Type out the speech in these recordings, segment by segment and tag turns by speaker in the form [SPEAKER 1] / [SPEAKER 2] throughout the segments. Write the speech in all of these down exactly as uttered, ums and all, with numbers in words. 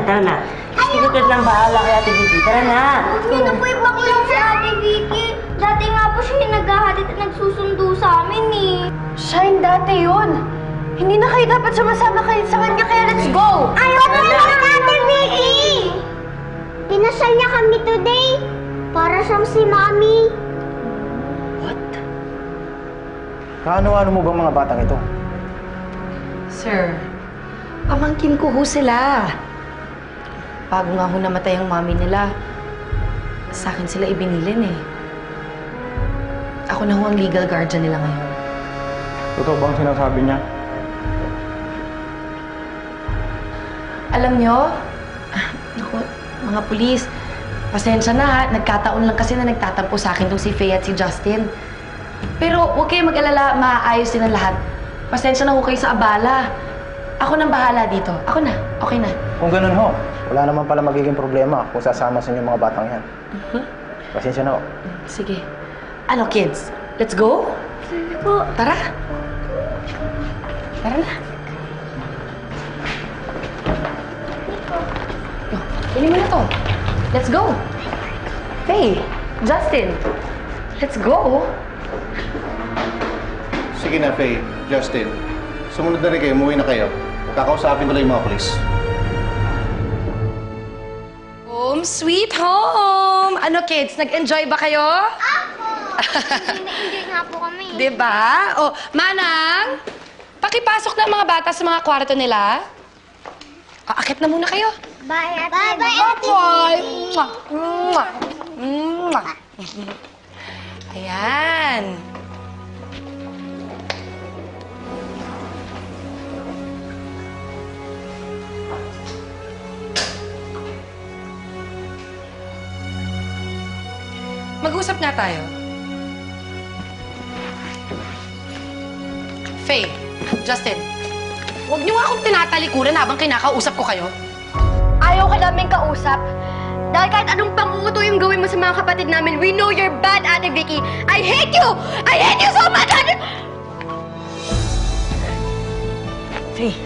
[SPEAKER 1] tara na. Sinutod ng bahala kay Ate Vicky. Tara na.
[SPEAKER 2] Hindi na po ibaklang si Ate Vicky. Dati nga po siya yung naghahatid at nagsusundo sa amin eh.
[SPEAKER 3] Siya yung dati yun. Hindi na kayo dapat sumasama kayo sa kanya, kaya let's go!
[SPEAKER 2] Ayaw na lang Ate Vicky! Pinasal niya kami today. Para siyang si Mami.
[SPEAKER 3] What?
[SPEAKER 4] Kaano-ano mo bang mga batang ito?
[SPEAKER 3] Sir, pamangkin ko ho sila. Bago nga ho namatay ang mami nila, sa akin sila ibinilin eh. Ako na ho ang legal guardian nila ngayon.
[SPEAKER 4] Totoo bang sinasabi niya?
[SPEAKER 3] Alam nyo, ah, naku, mga pulis, pasensya na ha, nagkataon lang kasi na nagtatampo sa akin tong si Faye at si Justin. Pero huwag kayo mag-alala, maaayos din ang lahat. Pasensya na ho kayo sa abala. Ako nang bahala dito. Ako na, okay na.
[SPEAKER 4] Kung ganun ho, wala naman pala magiging problema kung sasama sa inyo mga batang yan.
[SPEAKER 3] Mhm.
[SPEAKER 4] Pasensya na ho.
[SPEAKER 3] Sige. Ano kids, let's go?
[SPEAKER 2] Sige po.
[SPEAKER 3] Tara. Tara na. Oh, pili mo na to. Let's go. Faye, Justin, let's go.
[SPEAKER 5] Sige na, Faye, Justin. Sumunod na rin kayo, umuwi na kayo. Kakausapin ko lang yung mga polis.
[SPEAKER 3] Home sweet home! Ano kids, nag-enjoy ba kayo?
[SPEAKER 2] Na-enjoy nga po kami.
[SPEAKER 3] Diba? O, Manang, pakipasok na ang mga bata sa mga kwarto nila. O, akit na muna kayo.
[SPEAKER 2] Bye, Ate Bye, bye, Ate
[SPEAKER 3] Bye!
[SPEAKER 2] Vicky.
[SPEAKER 3] Mwah! Mwah! Mwah! Ayan. Mag-usap nga tayo. Faye, Justin, huwag niyo nga akong tinatalikuran habang kinakausap ko kayo.
[SPEAKER 2] Ayaw ka namin kausap. Dahil kahit anong panguto yung gawin mo sa mga kapatid namin, we know you're bad, Ate Vicky. I hate you! I hate you so much, Ate...
[SPEAKER 3] Faye,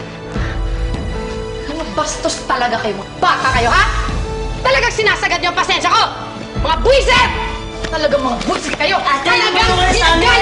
[SPEAKER 3] mga bastos talaga kayo, mga bata kayo, ha? Talagang sinasagad niyo ang pasensya ko! Mga buwisit! Talagang mga buwisit kayo! Talagang
[SPEAKER 1] tulungan sa amin!